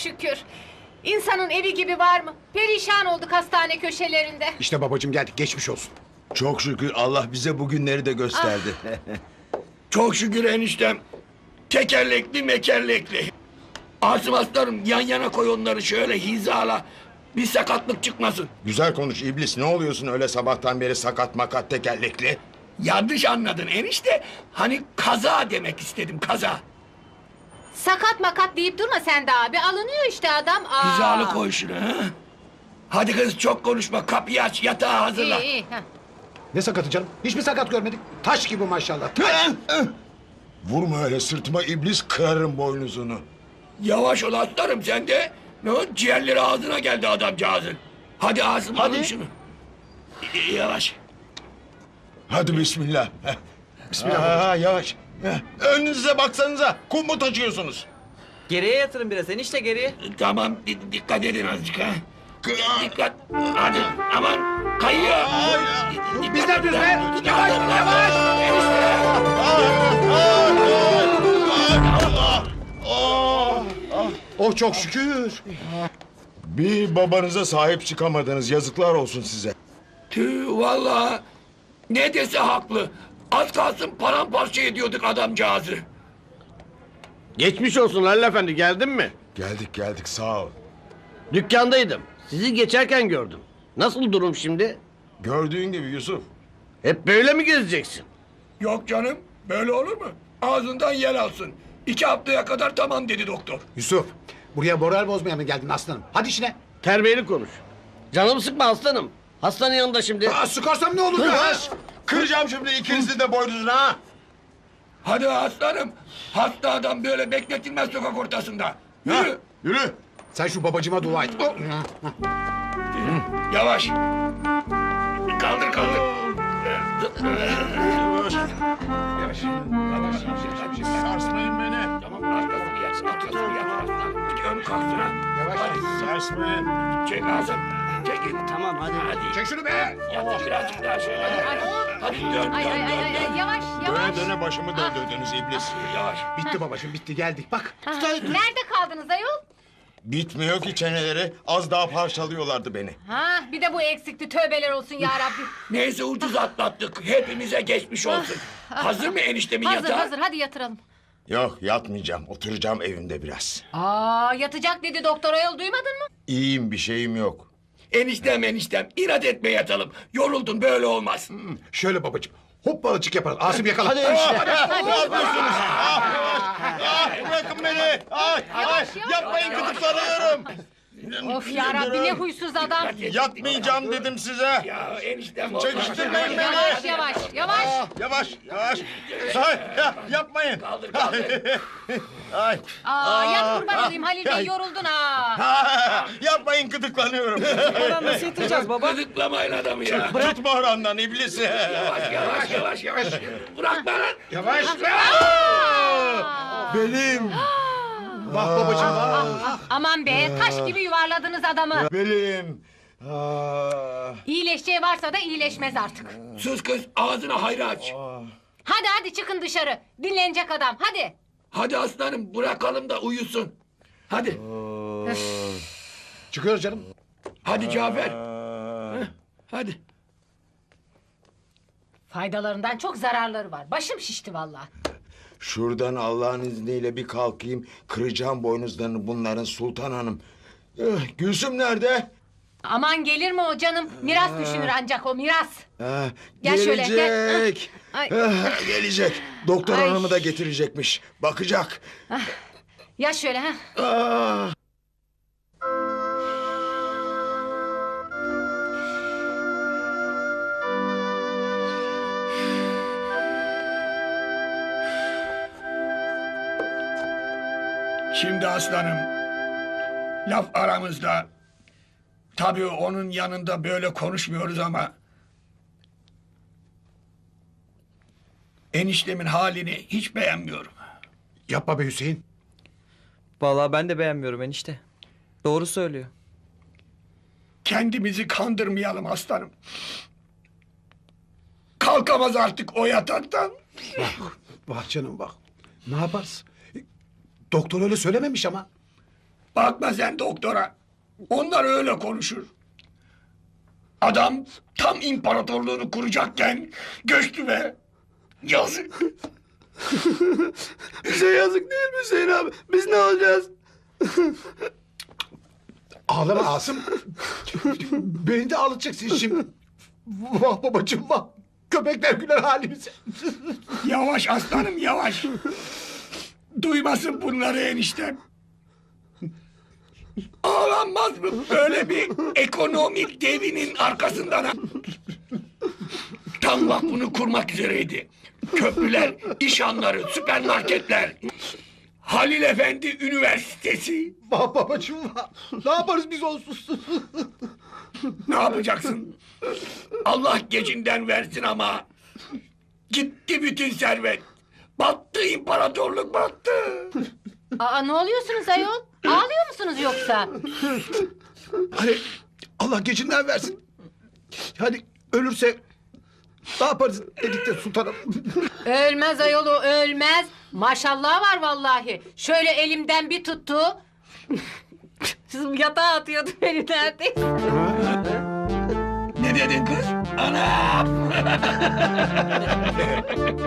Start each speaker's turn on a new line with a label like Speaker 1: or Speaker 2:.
Speaker 1: şükür. İnsanın evi gibi var mı? Perişan olduk hastane köşelerinde.
Speaker 2: İşte babacığım geldik, geçmiş olsun.
Speaker 3: Çok şükür Allah bize bu günleri de gösterdi.
Speaker 4: Çok şükür eniştem. Tekerlekli mekerlekli. Asım aslanım yan yana koy onları şöyle hizala. Bir sakatlık çıkmasın.
Speaker 3: Güzel konuş iblis, ne oluyorsun öyle sabahtan beri sakat makat tekerlekli?
Speaker 4: Yanlış anladın enişte. Hani kaza demek istedim kaza.
Speaker 1: Sakat makat deyip durma sen de abi. Alınıyor işte adam.
Speaker 4: Hizalı koy şunu ha. Hadi kız çok konuşma kapıyı aç yatağı hazırla.
Speaker 1: İyi iyi. Heh.
Speaker 2: Ne sakatı canım? Hiçbir sakat görmedik. Taş gibi maşallah. Taş.
Speaker 3: Vurma öyle sırtıma iblis, kırarım boynuzunu.
Speaker 4: Yavaş ol aslanım sen de. Ne o ciğerleri ağzına geldi adamcağızın. Hadi Asım alın şunu. Yavaş.
Speaker 3: Hadi bismillah.
Speaker 2: Bismillah.
Speaker 3: Yavaş. Önünüze baksanıza, kum mu taşıyorsunuz?
Speaker 5: Geriye yatırın biraz enişte geriye.
Speaker 4: Tamam dikkat edin azıcık ha. Dikkat. Hadi aman kayıyor.
Speaker 2: Biz ne yapıyoruz be?
Speaker 4: Yavaş yavaş.
Speaker 2: Oh çok şükür.
Speaker 3: Bir babanıza sahip çıkamadınız, yazıklar olsun size.
Speaker 4: Tüh vallahi ne dese haklı. Az kalsın paramparça ediyorduk adamcağızı.
Speaker 6: Geçmiş olsun Halil Efendi, geldin mi?
Speaker 3: Geldik sağ ol.
Speaker 6: Dükkandaydım. Sizi geçerken gördüm. Nasıl durum şimdi?
Speaker 3: Gördüğün gibi Yusuf.
Speaker 6: Hep böyle mi gezeceksin?
Speaker 4: Yok canım böyle olur mu? Ağzından yer alsın. 2 haftaya kadar tamam dedi doktor.
Speaker 2: Yusuf, buraya moral bozmaya mı geldin aslanım? Hadi işine.
Speaker 6: Terbiyeli konuş. Canımı sıkma aslanım. Hastanın yanında şimdi.
Speaker 2: Sıkarsam ne olur be?
Speaker 3: Kıracağım şimdi ikinizi de boynuzuna ha.
Speaker 4: Hadi aslanım. Hasta adam böyle bekletilmez sokak ortasında. Yürü.
Speaker 3: Yürü.
Speaker 2: Sen şu babacığıma dua et. Oh.
Speaker 4: Yavaş. Kaldır kaldır.
Speaker 3: Sarsmayın beni.
Speaker 4: Tamam arkasını yat. Arkasını yat aslanım. Ön kalksın ha.
Speaker 2: Yavaş.
Speaker 3: Sarsmayın.
Speaker 4: Çek ağzını. Çekil.
Speaker 6: Tamam hadi.
Speaker 4: Hadi.
Speaker 2: Çek şunu be.
Speaker 4: Yat birazcık daha şöyle. Hadi dön
Speaker 1: Ay ay ay ay ay, yavaş yavaş.
Speaker 3: Döne döne başımı döndürdünüz iblis.
Speaker 4: Yavaş.
Speaker 2: Bitti babacığım, bitti, geldik. Bak.
Speaker 1: Nerede kaldınız ayol?
Speaker 3: Bitmiyor ki çeneleri. Az daha parçalıyorlardı beni.
Speaker 1: Ha, bir de bu eksikti. Tövbeler olsun ya Rabbi.
Speaker 4: Neyse ucuz atlattık. Hepimize geçmiş olsun. Hazır mı eniştemin
Speaker 1: Hazır
Speaker 4: yatağı?
Speaker 1: hazır hadi yatıralım.
Speaker 3: Yok yatmayacağım. Oturacağım evimde biraz.
Speaker 1: Yatacak dedi doktor ayol, duymadın mı?
Speaker 3: İyiyim, bir şeyim yok.
Speaker 4: Eniştem inat etme yatalım. Yoruldun böyle olmaz.
Speaker 2: Şöyle babacığım. Hoppalıcık yaparız. Asım yakala.
Speaker 6: Hadi enişte.
Speaker 3: Bırakın beni.
Speaker 1: Yavaş.
Speaker 3: Yapmayın, gıdıklanıyorum.
Speaker 1: Of ya Rabbi, ne huysuz adam.
Speaker 3: Yatmayacağım dedim size.
Speaker 4: Ya eniştem
Speaker 3: Çekiştirmeyin beni.
Speaker 1: Yavaş yavaş yavaş.
Speaker 3: Yavaş. Ay, yapmayın.
Speaker 4: Kaldır.
Speaker 3: Ay.
Speaker 1: Yat kurban olayım Halil Bey, yoruldun ha.
Speaker 3: Yapmayın, gıdıklanıyorum.
Speaker 5: Oradan nasıl yatıracağız baba?
Speaker 4: Gıdıklamayın adamı ya.
Speaker 3: Tutma orandan iblisi.
Speaker 4: Yavaş. Bırak bana.
Speaker 2: Yavaş.
Speaker 3: Belim.
Speaker 2: Bak babacığım. Bak.
Speaker 1: Aman be, taş gibi yuvarladınız adamı.
Speaker 3: Belim.
Speaker 1: İyileşeceği varsa da iyileşmez artık.
Speaker 4: Sus kız ağzını hayra aç.
Speaker 1: Hadi çıkın dışarı. Dinlenecek adam, hadi.
Speaker 4: Hadi aslanım bırakalım da uyusun. Hadi.
Speaker 2: Çıkıyoruz canım.
Speaker 4: Hadi Cafer. Hadi.
Speaker 1: Faydalarından çok zararları var. Başım şişti vallahi.
Speaker 3: Şuradan Allah'ın izniyle bir kalkayım. Kıracağım boynuzlarını bunların Sultan Hanım. Gülsüm nerede?
Speaker 1: Aman gelir mi o canım? Miras düşünür ancak o, miras. Gel
Speaker 3: Gelecek.
Speaker 1: şöyle, gel. Ay.
Speaker 3: Gelecek. Doktor
Speaker 1: Ay.
Speaker 3: hanımı da getirecekmiş. Bakacak.
Speaker 1: Ya şöyle ha.
Speaker 4: Şimdi aslanım. Laf aramızda. Tabii onun yanında böyle konuşmuyoruz ama... Eniştemin halini hiç beğenmiyorum.
Speaker 2: Yapma be Hüseyin.
Speaker 5: Vallahi ben de beğenmiyorum enişte. Doğru söylüyor.
Speaker 4: Kendimizi kandırmayalım aslanım. Kalkamaz artık o yataktan.
Speaker 2: Bak canım bak. Ne yaparız? Doktor öyle söylememiş ama.
Speaker 4: Bakma sen doktora. Onlar öyle konuşur. Adam tam imparatorluğunu kuracakken göçtü be. Yazık.
Speaker 6: Bize yazık değil mi Hüseyin abi? Biz ne olacağız?
Speaker 2: Ağlama Asım. Beni de ağlatacaksın şimdi. Vah babacığım vah. Köpekler güler halimize.
Speaker 4: Yavaş aslanım yavaş. Duymasın bunları eniştem. Ağlanmaz mı böyle bir ekonomik devinin arkasından? Tam vakfını kurmak üzereydi. Köprüler, işhanları, süpermarketler. Halil Efendi Üniversitesi.
Speaker 2: Vah babacığım vah. Ne yaparız biz onsuz?
Speaker 4: Ne yapacaksın? Allah gecinden versin ama. Gitti bütün servet. Battı imparatorluk battı.
Speaker 1: Aa, ne oluyorsunuz ayol? Ağlıyor musunuz yoksa?
Speaker 2: Hani Allah gecinden versin. Hani ölürse ne yaparız dedik de sultanım.
Speaker 1: Ölmez ayol, o ölmez. Maşallah var vallahi. Şöyle elimden bir tuttu. Yatağa atıyordu beni neredeyse.
Speaker 4: Ne dedin kız? Anam!